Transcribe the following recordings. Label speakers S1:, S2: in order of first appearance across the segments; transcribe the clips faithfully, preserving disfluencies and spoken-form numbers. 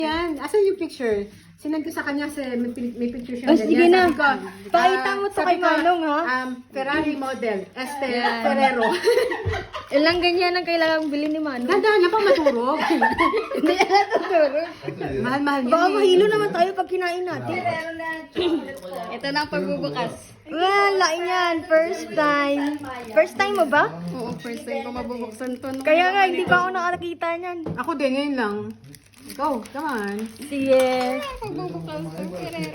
S1: Yan, asan yung picture? Sinend ko sa kanya kasi may, pi- may picture siya.
S2: Oh, sige na.
S1: Sabi ko,
S2: Pakita
S1: ah,
S2: mo to
S1: sabi
S2: kay
S1: ko,
S2: Manong, ha?
S1: Um, Ferrari model, Esther Ferrero.
S2: Ilang ganyan ang kailangang bilhin ni Manong.
S1: Ganda na pang maturog.
S2: Hindi na natuturo.
S1: Mahal-mahal yan.
S2: Baka
S1: eh.
S2: mahilo naman tayo pag kinain natin.
S3: Ito na ang pagbubukas.
S2: Well, lain yan. First time. First time mo ba?
S3: Oo, first time ko mabubuksan to. No?
S2: Kaya nga, hindi pa ako nakakita niyan.
S1: Ako din, ngayon lang. Go, come on.
S2: Sige.
S3: Pagbubukas ng Ferrero.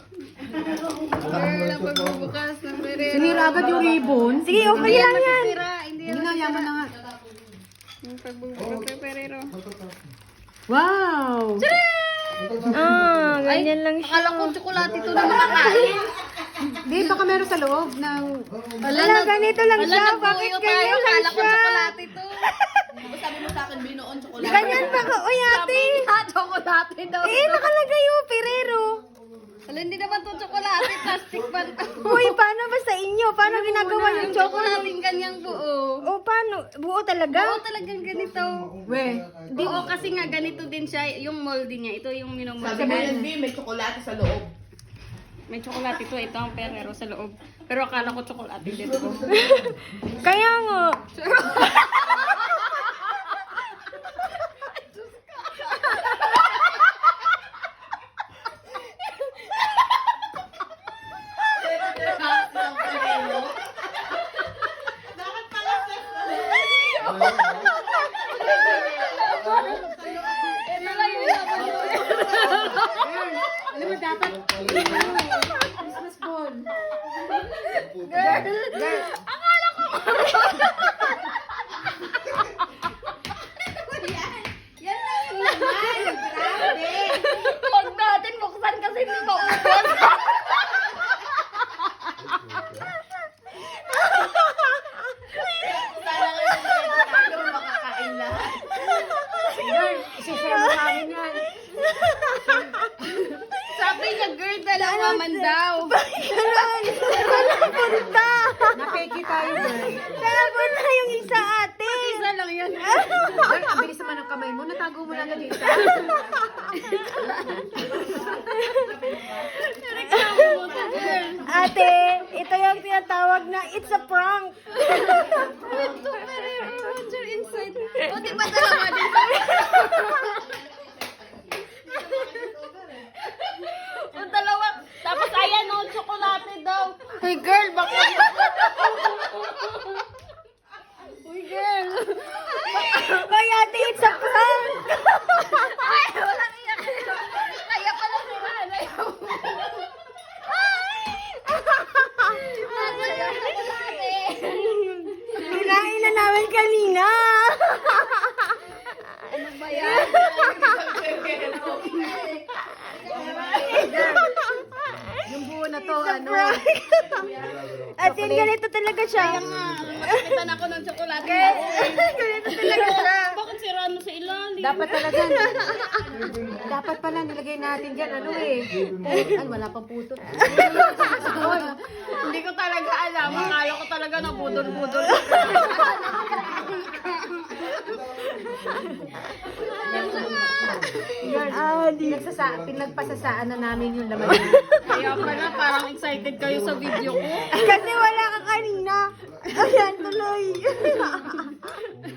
S3: Girl, ang pagbubukas ng Ferrero.
S1: Sinira agad yung ribbon.
S2: Sige, okay lang yan.
S3: Sira, hindi
S1: Hindi nga, yaman na nga.
S3: yung pagbubukas ng Ferrero.
S1: Wow!
S2: Ah, ganyan lang siya.
S3: Akala ko tsokolate ito na makakain.
S1: Di, baka meron sa loob ng...
S2: Wala, ganito lang
S3: Wala,
S2: siya. Bakit
S3: nagbuyo tayo.
S2: ganyan lang
S3: Akala ko
S2: siya?
S3: tsokolate ito. Sabi mo sa akin, binoon tsokolate.
S2: Ganyan ba ka? Uy, ate.
S3: Ha, tsokolate daw.
S2: Eh, nakalagay yung Ferrero.
S3: Wala, hindi naman ito tsokolate. Plastic pa ito.
S2: Uy, paano ba sa inyo? Paano ginagawa yung
S3: Yung
S2: chocolate?
S3: tsokolating ganyang buo.
S2: O, paano? Buo talaga?
S3: Oo, talagang ganito.
S1: We,
S3: Di, oo, kasi nga ganito din siya, yung moldy niya. Ito yung minomold.
S4: Sabi mo yun, B, may tsokolate sa loob.
S3: May tsokolate ito, ito ang Ferrero sa loob. Pero akala ko tsokolate dito.
S2: Kaya nga.
S1: alam mo dapat... Christmas ball.
S3: Huwag natin buksan kasi hindi maubos.
S4: Sana ngayon tayo makakain lahat.
S1: Girl, isi-share mo namin yan.
S3: Sabi niya, girl, dalawa man daw.
S2: Ganun. Wala punta.
S1: Napeki tayo, girl.
S2: Kaya punta yung isa ate.
S3: Isa lang yan.
S1: Girl, ang bilis naman ng kamay mo. Natago mo lang na dito.
S2: Ate, ito yung tinatawag na it's a prank.
S3: Ito, Ferrero Roger inside. O, di ba dalawa din? O, dalawa. Tapos, ayan, o, tsokolate daw. Hey, girl, bakit? Uy, girl.
S2: Kaya ate, it's a prank.
S3: Ay, walang iyak. Kaya pala si Rana.
S2: Kinain na namin kanina.
S3: Ano ba yan?
S1: Yung buo na to, ano?
S2: At yun, ganito talaga siya.
S3: Makakitan ako ng tsokolate.
S2: Ganito talaga siya.
S3: Bakit si Rano sa ilalim?
S1: Dapat talaga. Dapat pala nilagay natin dyan, ano eh. Ay, wala pang puto.
S3: Hindi ko talaga alam. Akala ko talaga na budol-budol.
S1: Girl,
S2: Ah, di.
S1: pinagsasa, pinagpasasaan na namin yung laman.
S3: Kaya pala parang excited kayo sa video ko.
S2: Kasi wala ka kanina. Ayan, tuloy.